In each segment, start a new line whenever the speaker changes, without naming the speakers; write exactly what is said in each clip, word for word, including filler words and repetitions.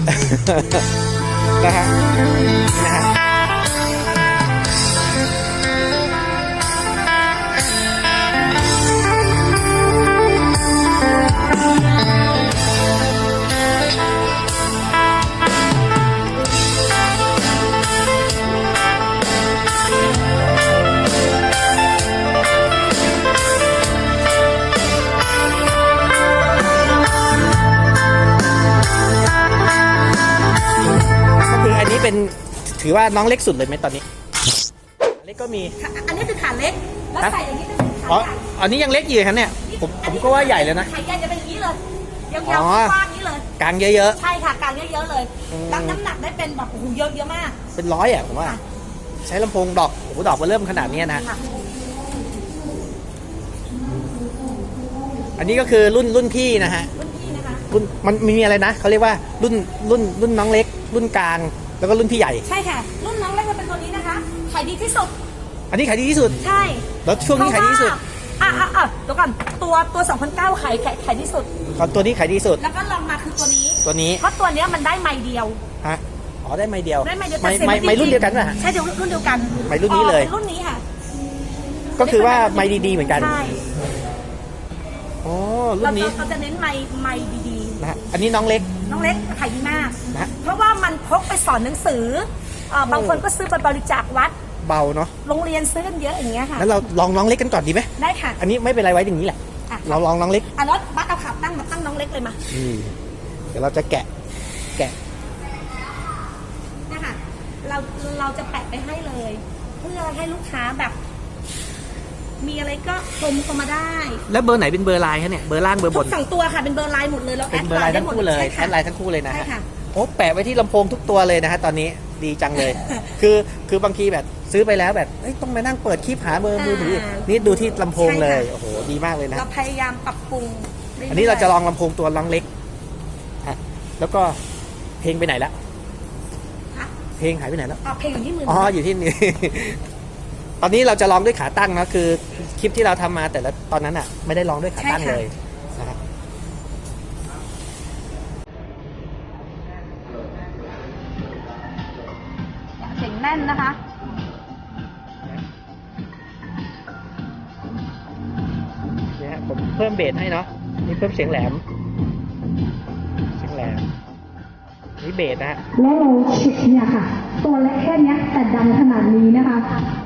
นะฮะนะฮะเป็นถือว่าน้องเล็กสุดเลยไหมตอนนี้เล็กก็มี
อันนี้คือขาเล็กแล้วใส่อย่างนี้จะเป็นขา
อ๋ออันนี้ยังเล็กอยู่ครับเนี่ยผมผมก็ว่าใหญ่แล้วนะ
ขาใหญ่จะเป็นอย่างนี้เลยยาวๆกว้างนี้เลย
กลางเยอะ
ๆใช่ค่ะกลางเยอะๆเลยรับน้ำหนักได้เป็นแบบโอ้โหเยอะเยอะมาก
เป็นร้อยอ่ะผมว่าใช้ลำโพงดอกโอ้โหดอกมันเริ่มขนาดนี้นะอันนี้ก็คือรุ่นรุ่นพี่นะฮะ
รุ่นพี่นะคะ
รุ่นมันมีอะไรนะเขาเรียกว่ารุ่นรุ่นรุ่นน้องเล็กรุ่นกลางแล้วก็รุ่นพี่ใหญ่
ใช่ค่ะรุ่นน้องเล็กจะเป็นตัวนี้นะคะขายดีที่สุด
อันนี้ขายดีที่สุด
ใช่
แล้วช่วงนี้ขายดีที่สุด
อ่ะอ่ะอ่ะเดี๋ยวก่อนตัวตัวสองพันเก้าขายขายที่สุด
ก่อนตัวนี้ขายดีสุด
แล้วก็ลองมาคือตัวนี้
ตัวนี้
เพราะตัวนี้มันได้ไม้เดียว
ฮะอ๋อได้ไม้เดียว
ได้ไม้เดียว
ไม้ไม้ไม้รุ่นเดียวกันป่ะ
ใช่เดียวรุ่นเดียวกัน
ไม้รุ่นนี้เลย
รุ่นนี้ค่ะ
ก็คือว่าไม้ดีๆเหมือนกัน
ใช่
อ๋อรุ่นนี้
เราจะเน้นไม้ไม้ดี
ๆนะอันนี้น้องเล็ก
น้องเล็กขายดีมากนะเพราะว่ามันพกไปสอนหนังสือบางคนก็ซื้อไปบริจาควัด
เบาเนาะ
โรงเรียนซื้อกันเยอะอย่างเงี้ยค่ะ
แล้วเราลองน้องเล็กกันก่อนดีไหม
ได้ค่ะ
อันนี้ไม่เป็นไรไว้อย่างนี้แหละเราลองน้องเล็ก
อ่ะแล้วบัสเอาขาตั้งมาตั้งน้องเล็กเลยมา
เดี๋ยวเราจะแกะแกะ
เนี่ยค่ะเราเราจะแปะไปให้เลยเพื่อให้ลูกค้าแบบมีอะไรก็ชมเข้ามาได้
แล้วเบอร์ไหนเป็นเบอร์ไลน์คะเนี่ยเบอร์ล่างเบอร์บน
สองตัวค่ะเป็นเบอร์ไลน์หมดเลยแล้ว
เป็นเบอร์ไลน์ทั้งคู่เลยแอดไลน์ทั้งคู่เลยนะฮะโอ้แปะไว้ที่ลำโพงทุกตัวเลยนะฮะตอนนี้ดีจังเลยคือคือบางทีแบบซื้อไปแล้วแบบต้องมานั่งเปิดคลิปหาเบอร์มือถือนี่ดูที่ลำโพงเลยโอ้โหดีมากเลยนะ
เราพยายามปรับปรุง
อันนี้เราจะลองลำโพงตัวลองเล็กฮะแล้วก็เพลงไปไหนแล้วเพลงหายไปไหนแล้ว
อ๋อเพลงอยู่ที่มือ
อ๋ออยู่ที่นี่ตอนนี้เราจะลองด้วยขาตั้งนะคือคลิปที่เราทำมาแต่ละตอนนั้นอ่ะไม่ได้ลองด้วยขาตั้งเลยนะครับ
เสียงแน่นนะคะ
เนี่ยฮะผมเพิ่มเบสให้เนาะนี่เพิ่มเสียงแหลมเสียงแหลมนี่เบสนะฮะ
แล้วเราชิดเนี่ยค่ะตัวเล็กแค่นี้แต่ดังขนาดนี้นะคะ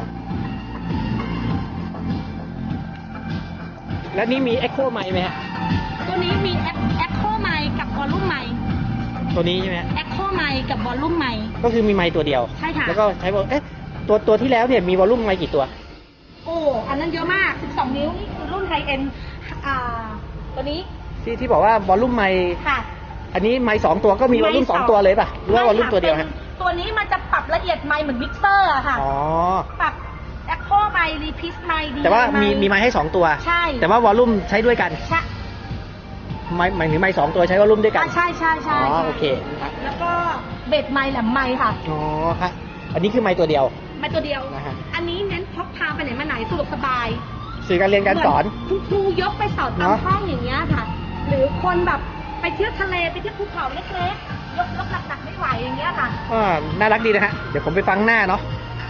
แล้วนี่มี Echo ไมค์ไหมฮะ
ตัวนี้มี Echo ไมค์กับวอลลุ่มไมค์
ตัวนี้ใช่ไหม
Echo ไมค์กับวอลลุ่มไมค์
ก็คือมีไมค์ตัวเดียว
ใช่ค่ะ
แล้วก็ใช้เอ๊ะตัวตัวที่แล้วเนี่ยมีวอลลุ่มไมค์กี่ตัว
โอ้อันนั้นเยอะมากสิบสองนิ้วนี่คือรุ่นไฮเอ็นอ่าตัวนี้
ที่ที่บอกว่าวอลลุ่มไมค์
ค่ะ
อันนี้ไมค์สองตัวก็มีวอลลุ่มสองตัวเลยป่ะหรือว่าวอลลุ่มตัวเดียวฮะ
ตัวนี้มันจะปรับละเอียดไมค์เหมือนมิกเซอร์อะค่ะ
อ๋อ
ปรับแอคโคไมค์รีพิสไมค์ดี
แต่ว่ามีมีไมค์ให้สองตัว
ใช่
แต่ว่าวอลลุ่มใช้ด้วยกัน
ใช่
ไมค์หมายถึงไมค์สองตัวใช้วอลลุ่มด้วยกัน
ใช่ใช่ใช่
อ๋อโอเค
แล้วก็เบสไมค์แหลมไมค์ค่ะ
อ๋อฮะอันนี้คือไมค์ตัวเดียว
ไมค์ตัวเดียวนะฮะอันนี้เน้นพกพาไปไหนมาไหนสะดวกสบาย
สื่อการเรียนการสอน
คุณครูยกไปสอนตามห้องอย่างเงี้ยค่ะหรือคนแบบไปเที่ยวทะเลไปเที่ยวภูเขาเล็กๆยกยกหนักๆไม่ไหวอย่างเงี้ยค่ะ
อ่าน่ารักดีนะฮะเดี๋ยวผมไปฟังหน้าเนาะ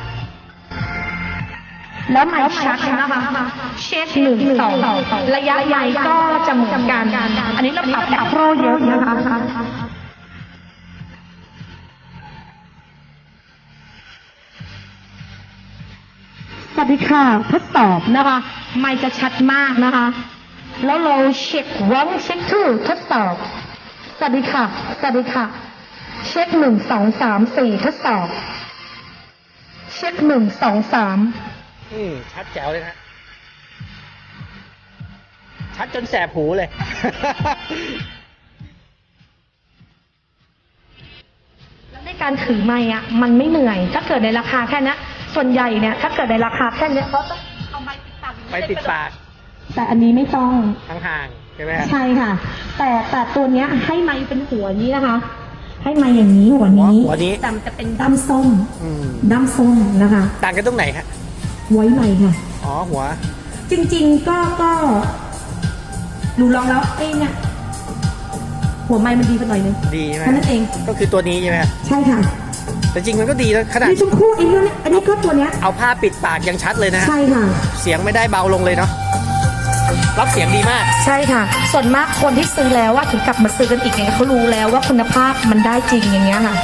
แล้วไมค์ชัดนะคะเช็คหนึ่งสองระยะไมค์ก็จะเหมือนกันอันนี้เราปรับแอปโปรเยอะนะคะสวัสดีค่ะทดสอบนะคะไมค์จะชัดมากนะคะแล้วเราเช็ควันเช็คทูทดสอบสวัสดีค่ะสวัสดีค่ะเช็คหนึ่งสองสามสี่ทดสอบเช็คหนึ่งสองสาม
อืมชัดแจ๋วเลยนะชัดจนแสบหูเลย
แล้วในการถือไมค์อ่ะมันไม่เหนื่อยถ้าเกิดในราคาแค่นี้ส่วนใหญ่เนี่ยถ้าเกิดในราคาแค่นี้เขาต้องเอาไมค์ปิดปาก
ไปปิดปาก
แต่อันนี้ไม่ต้อง
ห่างๆใช่ไหม
ใช่ค่ะแต่แต่ตัวเนี้ยให้ไมค์เป็นหัวนี้นะคะให้ไมค์อย่างนี้หัวนี้
หัวนี้
ดำจะเป็น
ด้ามส้มด้ามส้มนะคะ
ต่างกันตรงไหนฮะ
ไว้ไมค์ค่ะ
อ๋อหัว
จริงๆก็ก็หนูลองแล้วเอ้เนี่ย
หัวไม้มันดีไปหน่อยนึง
ดีใช่ไหม
แค่นั้นเอง
ก็คือตัวนี้ใช่ไหมครับ
ใช่ค่ะ
แต่จริงมันก็ดีนะขนาด
นี่ชมพู่เองด้วยอันนี้ก็ตัวเนี้ย
เอาผ้าปิดปากยังชัดเลยนะฮะ
ใช่ค่ะ
เสียงไม่ได้เบาลงเลยเนาะรับเสียงดีมาก
ใช่ค่ะ ส่วนมากคนที่ซื้อแล้วว่าถึงกลับมาซื้อกันอีกเนี่ยเขารู้แล้วว่าคุณภาพมันได้จริงอย่างเงี้ยค่ะ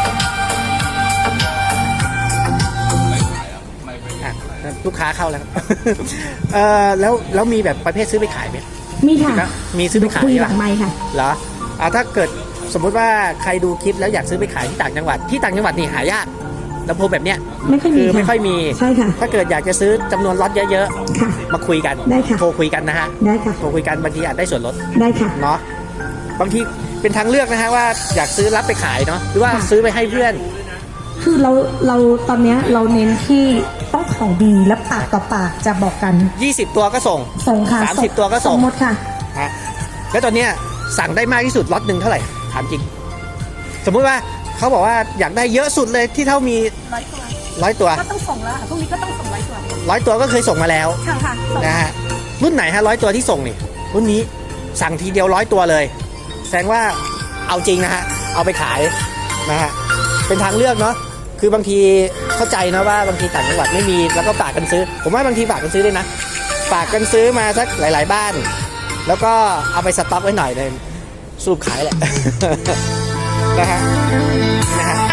อ่ะลูกค้าเข้าแล้วครับ เออแล้วแล้วมีแบบประเภทซื้อไปขายไหม
มีค่ะ
แล้วมีซื้อไปขาย
คุย
ไห
หลังไม้ค่ะ
เหรออ่าถ้าเกิดสมมุติว่าใครดูคลิปแล้วอยากซื้อไปขายที่ต่างจังหวัดที่ต่างจังหวัดนี่หายากลำโพงแบบเนี้ย
ไม่ค่อยมี
คือไม่ค่อยมี
ใช่ค่ะ
ถ้าเกิดอยากจะซื้อจำนวนล็อตเยอะ
ค่ะ
ๆมาคุยกัน
ได้ค่ะ
โทรคุยกันนะฮะ
ได้ค่ะ
โทรคุยกันบางทีอาจได้ส่วนลด
ได้ค่ะ
เนาะบางทีเป็นทางเลือกนะฮะว่าอยากซื้อรับไปขายเนาะหรือว่า
ค่ะ
ซื้อไปให้เพื่อน
คือเราเราตอนเนี้ยเราเน้นที่ต้องของดีและปากต่อปากจะบอกกัน
ยี่สิบ ตัวก็ส่ง
ส่งค่ะ
สามสิบตัวก็ส่ง
หมดค่ะ
ฮะแล้วตอนเนี้ยสั่งได้มากที่สุดล็อตหนึ่งเท่าไหร่ถามจริง สมมุติว่าเขาบอกว่าอยากได้เยอะสุดเลยที่เท่ามี
ร้อยตัว
ร้อยตัว
ก็ต้องส่งแล้วพรุ่งนี้ก็ต้องส่งร้อยตัว
ร้อยตัวก็เคยส่งมาแล้ว
ค่ะค่ะส่ง
นะฮะรุ่นไหนฮะร้อยตัวที่ส่งนี่รุ่นนี้สั่งทีเดียวร้อยตัวเลย แสดงว่าเอาจริงนะฮะเอาไปขายนะฮะเป็นทางเลือกเนาะคือบางทีเข้าใจนะว่าบางทีต่างจังหวัดไม่มีแล้วก็ฝากกันซื้อ ผมว่าบางทีฝากกันซื้อด้วยนะฝากกันซื้อมาสักหลาย ๆ บ้าน แล้วก็เอาไปสต็อกไว้หน่อยเลยสูบขายแหละ นะฮะนะฮะ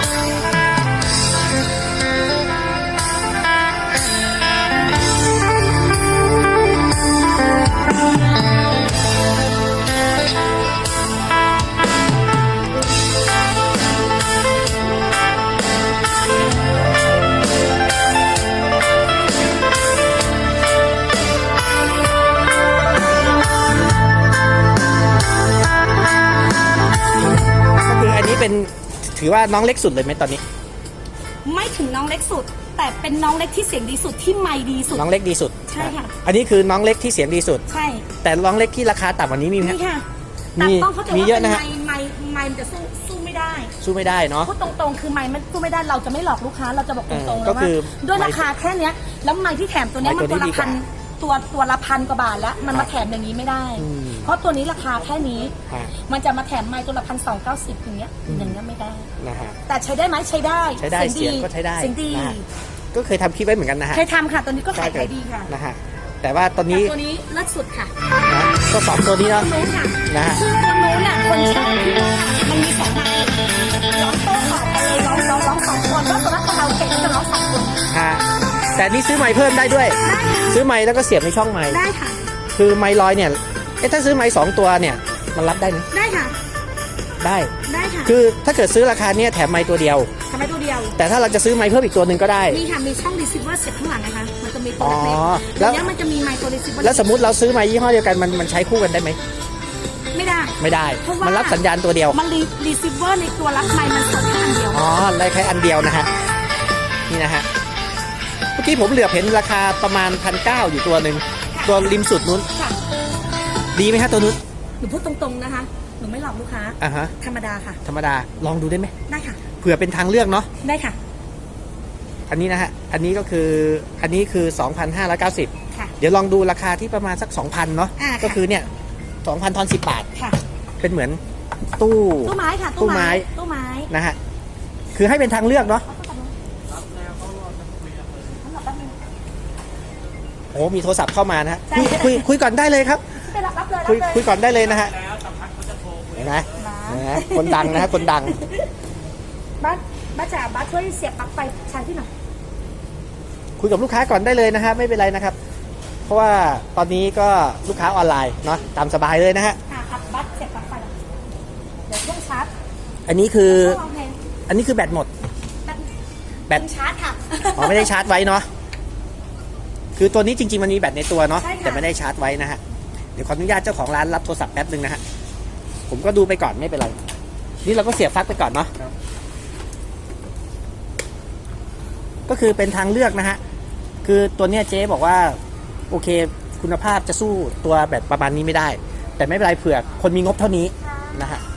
ก็คืออันนี้เป็นถือว่าน้องเล็กสุดเลยไหมตอนนี้
ไม่ถึงน้องเล็กสุด แต่เป็นน้องเล็กที่เสียงดีสุดที่ไมค์ดีสุด
น้องเล็กดีสุด
ใช่ค่ะ
อันนี้คือน้องเล็กที่เสียงดีสุด
ใช่
แต่น้องเล็กที่ราคาต่ำกว่านี้มีไหม
นี่
ฮะ
ค่ะ
มี
แต่ต้องเข้าใจ
มี
ว่า
เยอะ
เป็น
นะฮะ
ไมค์ไมค์ไมค์มันจะสู้สู้ไม่ได้
สู้ไม่ได้เนาะ
พูดตรงๆ คือไมค์มันสู้ไม่ได้เราจะไม่หลอกลูกค้าเราจะบอกตรงๆ
เออ
แล้ว
ก็
ว่า
คือ
ด้วยราคาแค่เนี้ยแล้วไมค์ที่แถมตัวเนี้ย
ไม
มั
ค์
น
ตั
ตัว ว
นี้
ละ
ดีกว่า
พันตัวตัวละพันกว่าบาทแล้วมัน
ครั
มา
บ
แถมอย่างนี้ไม่ได้
อืม
เพราะตัวนี้ราคาแค่นี้
ฮะ
มันจะมาแถมไมค์ตัวละพันสองเก้าสิบอย่างเงี้ยอย่างเงี้ยไม่ได้
นะฮะ
แต่ใช้ได้ไหมใช้ได้
ใช้ได้เสียงก็ใช้ได้
เสียงดี
นะฮะ ก็เคยทำคลิปไว้เหมือนกันนะฮะ
เคยทำค่ะตัวนี้ก็ขายขายดีค่ะ
นะฮะแต่ว่าตอน
แต่
นี้
ตัวนี้เลิศสุดค่ะ
นะก็สองตัวนี้เนาะ
ตัวนู้นค่ะ
นะฮะ
ซึ่งตัวนู้นน่ะคนชอบที่ว่ามันมีสองไมค์ร้องโต้ตอบกันเลยร้องร้องร้องสองคนว่าสำหรับเราเก่งจะร้องสองคน
ฮะแต่นี่ซื้อไมค์เพิ่มได้ด้วย ซื้อไมค์แล้วก็เสียบในช่องไมค์
ได้ค่ะ
คือไมค์ลอยเนี่ยเอ๊ะถ้าซื้อไมค์สองตัวเนี่ยมันรับได้ไหม
ได้ค่ะ
ได้
ได้ค่ะ
คือถ้าเกิดซื้อราคาเนี้ยแถมไมค์ตัวเดียว
ทำไมตัวเดียว
แต่ถ้าเราจะซื้อไมค์เพิ่มอีกตัวหนึ่งก็ได้
มีค่ะมีช่องรีเซิเวอร์เสียบข้างหลังนะคะมันจะมีตัว
อ๋อ
เล็กๆ
แล้
แล้ว วเนี้ยมันจะมีไมค์ตัวรีเซิเวอร์
แล้วสมมติเราซื้อไมค์ยี่ห้อเดียวกันมันมันใช้คู่กันได้ไหม
ไม่ได้
ไม่ได้
เพราะว่ามั
มันรับสัญญาณตัวเดียว
มันรีรีเซิเวอร์ในตัวรับไมค์มันส่งแค่อันเดียว
อ๋อได้แค่อันเดียวนะฮะ นี่นะฮะ เมื่อกี้ผมเหลือบเห็นราคาประมาณพันเก้าอยู่ตัวหนึ่งตัวริมสุดนู้น
ค่ะ
ดีไหมฮะตัวนู้น
หนูพูดตรงๆนะคะหนูไม่หลอกลูกค้า
อ่าฮะ
ธรรมดาค่ะ
ธรรมดา ลองดูได้ไหม
ได้ค่ะ
เผื่อเป็นทางเลือกเนาะ
ได้ค่ะ
อันนี้นะฮะ อันนี้ก็คือ อันนี้คือ สองพันห้าร้อยเก้าสิบ
ค่ะ
เดี๋ยวลองดูราคาที่ประมาณสัก สองพัน เนาะ
อ่าค่ะ
ก็คือเนี่ย สองพัน ทอนสิบบาท
ค่ะ
เป็นเหมือนตู้
ตู้ไม้ค่ะ
ตู้ไม้
ตู้ไม้
นะฮะ คือให้เป็นทางเลือกเนาะ โอ้มีโทรศัพท์เข้ามานะฮะ คุยคุยคุยก่อนได้เลยครับ
ไปรับรับเลย
คุย
รับเลย
คุยก่อนได้เลยนะฮะเห็นไหม
บ้า
เห็นไหมคนดังนะฮะคนดัง
บ้านบ้านจ๋าบ้านช่วยเสียบปลั๊กไฟชาร์จที่หน่อย
คุยกับลูกค้าก่อนได้เลยนะฮะไม่เป็นไรนะครับ เพราะว่าตอนนี้ก็ลูกค้าออนไลน์เนาะตามสบายเลยนะฮะ
ค่ะครับบ้านเสียบปลั๊กไฟหน่อยเดี๋ยวเครื่องชาร์จ
อันนี้คือ
ช่วงวางเพลง
อันนี้คือแบตหมด
แบต
แบต
เป็นชาร์จค่ะ
อ๋อไม่ได้ชาร์จไว้เนาะคือตัวนี้จริงๆมันมีแบตในตัวเนาะ
ใช่ค่ะ
แต่ไม่ได้ชาร์จไว้นะฮะเดี๋ยวขออนุญาตเจ้าของร้านรับโทรศัพท์แป๊บนึงนะฮะผมก็ดูไปก่อนไม่เป็นไรนี่เราก็เสียบปลั๊กไปก่อนเนาะก็คือเป็นทางเลือกนะฮะคือตัวเนี้ยเจ๊บอกว่าโอเคคุณภาพจะสู้ตัวแบบประมาณนี้ไม่ได้ แต่ไม่เป็นไรเผื่อคนมีงบเท่านี้นะฮะ